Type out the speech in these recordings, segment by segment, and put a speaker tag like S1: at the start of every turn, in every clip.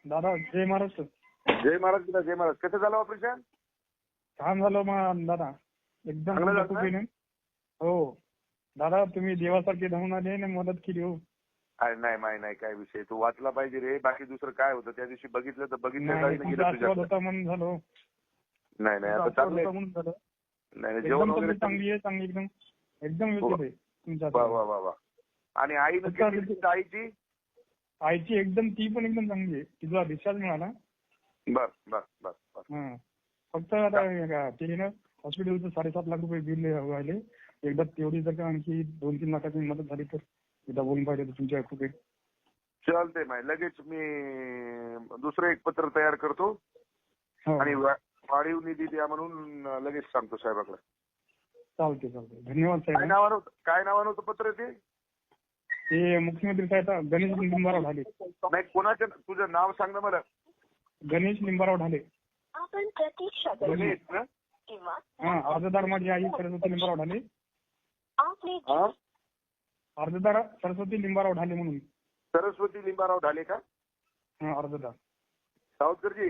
S1: दादा जय महाराष्ट्र.
S2: जय महाराज बेटा, जय महाराज. कसं झालं ऑपरेशन?
S1: छान झालं मग दादा, एकदम
S2: चांगलं झालं ना?
S1: चुकीने. हो दादा, तुम्ही देवासारखे धावून आले आणि मदत केली. हो
S2: अरे नाही माय नाही, काय विषय. तू वाचला पाहिजे रे. बाकी दुसरं काय होतं त्या दिवशी बघितलं तर बघितलं
S1: नाही,
S2: गेलं
S1: तुमचा आशीर्वाद
S2: तुझ्याकडे.
S1: होता म्हणून झालो.
S2: नाही नाही, आता
S1: आशीर्वाद
S2: चांगलं
S1: होता
S2: आहे.
S1: म्हणून झालं.
S2: नाही नाही, जेवण
S1: एकदम
S2: वगैरे
S1: तब्येत चांगली आहे, चांगली एकदम एकदम व्यवस्थित आहे तुमच्या
S2: वा वा वा वा. आणि आईनं
S1: फक्त
S2: किती दिली आईची?
S1: आईची एकदम, ती पण एकदम चांगली आहे. तिला डिस्चार्ज मिळाला.
S2: बर बर बर बर.
S1: हा, फक्त आता ते ना हॉस्पिटलचं 7.5 लाख रुपये बिल राहिले. एकदा तेवढी जर का आणखी 2-3 लाखाची मदत झाली तर एकदा बोलून पाहिजे तुमच्या कृपेत.
S2: चालतंय माय, लगेच मी दुसरं एक पत्र तयार करतो
S1: हो,
S2: आणि वाढीव निधी द्या म्हणून लगेच सांगतो साहेबाकडे.
S1: चालते चालते. धन्यवाद
S2: काय
S1: साहेब.
S2: नावानं काय नावानं होतं पत्र ते?
S1: ते मुख्यमंत्री साहेब गणेश लिंबाराव ढाले.
S2: नाही, कोणाचं तुझं नाव सांग ना मला.
S1: गणेश लिंबाराव ढाले.
S3: आपण प्रतीक्षा करू
S2: गणेश ना?
S3: किंवा
S1: हा, अर्जदार माझी आई सरस्वती लिंबाराव ढाले.
S3: आपले
S2: हा?
S1: अर्जदार सरस्वती लिंबाराव ढाले म्हणून.
S2: सरस्वती लिंबाराव ढाले का?
S1: हा, अर्जदार.
S2: सावरकरजी,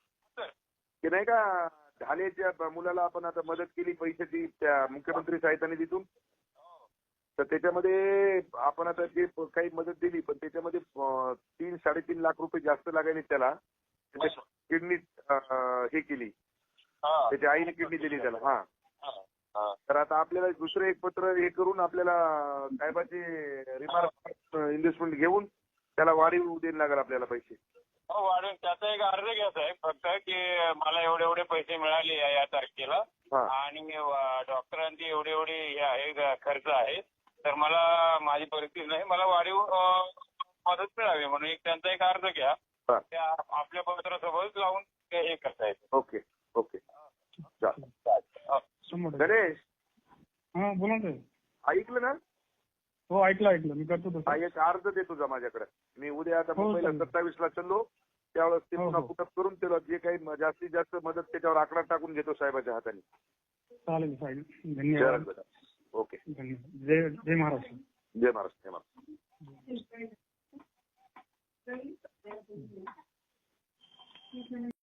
S2: की नाही का ढालेच्या मुलाला आपण आता मदत केली पैशाची त्या मुख्यमंत्री सहायता निधीतून, तर त्याच्यामध्ये आपण आता जे काही मदत दिली पण त्याच्यामध्ये 3-3.5 लाख रुपये जास्त लागायले त्याला. किडनी हे केली, त्याच्या आईने किडनी दिली त्याला. हा, तर आता आपल्याला दुसरं एक पत्र हे करून आपल्याला साहेबाची रिमार्क इन्व्हेस्टमेंट घेऊन त्याला वाढीव द्यायला लागेल आपल्याला पैसे.
S4: हो, वाढून त्याचा एक अर्ज घ्या साहेब, फक्त की मला एवढे एवढे पैसे मिळाले या तारखेला
S2: हा.
S4: आणि डॉक्टरांची एवढे एवढे हे आहे खर्च आहे, तर मला माझी परिस्थिती नाही, मला वाढीव मदत मिळावी म्हणून एक त्यांचा एक अर्ज घ्या.
S2: हा.
S4: त्या आपल्या पत्रासोबत लावून ते हे करता येतं.
S2: Okay okay. चालेल.
S1: शंभर टक्के.
S2: गणेश,
S1: हा, बोला ना साहेब.
S2: ऐकलं ना?
S1: हो, ऐकलं मी करतो तसं.
S2: हा, एक अर्ज दे तुझा माझ्याकडे. मी उद्या आता
S1: हो,
S2: मुंबईला
S1: चालेल.
S2: 27ला चाललो, त्यावेळेस ते
S1: हो,
S2: पुन्हा
S1: हो.
S2: कुठं करून त्याला जे काही जास्तीत जास्त मदत त्याच्यावर आकडा टाकून घेतो साहेबाच्या हाताने.
S1: चालेल साहेब,
S2: चल
S1: धन्यवाद.
S2: बेटा. ओके.
S1: धन्यवाद. जय जय महाराष्ट्र.
S2: जय महाराज, जय महाराज.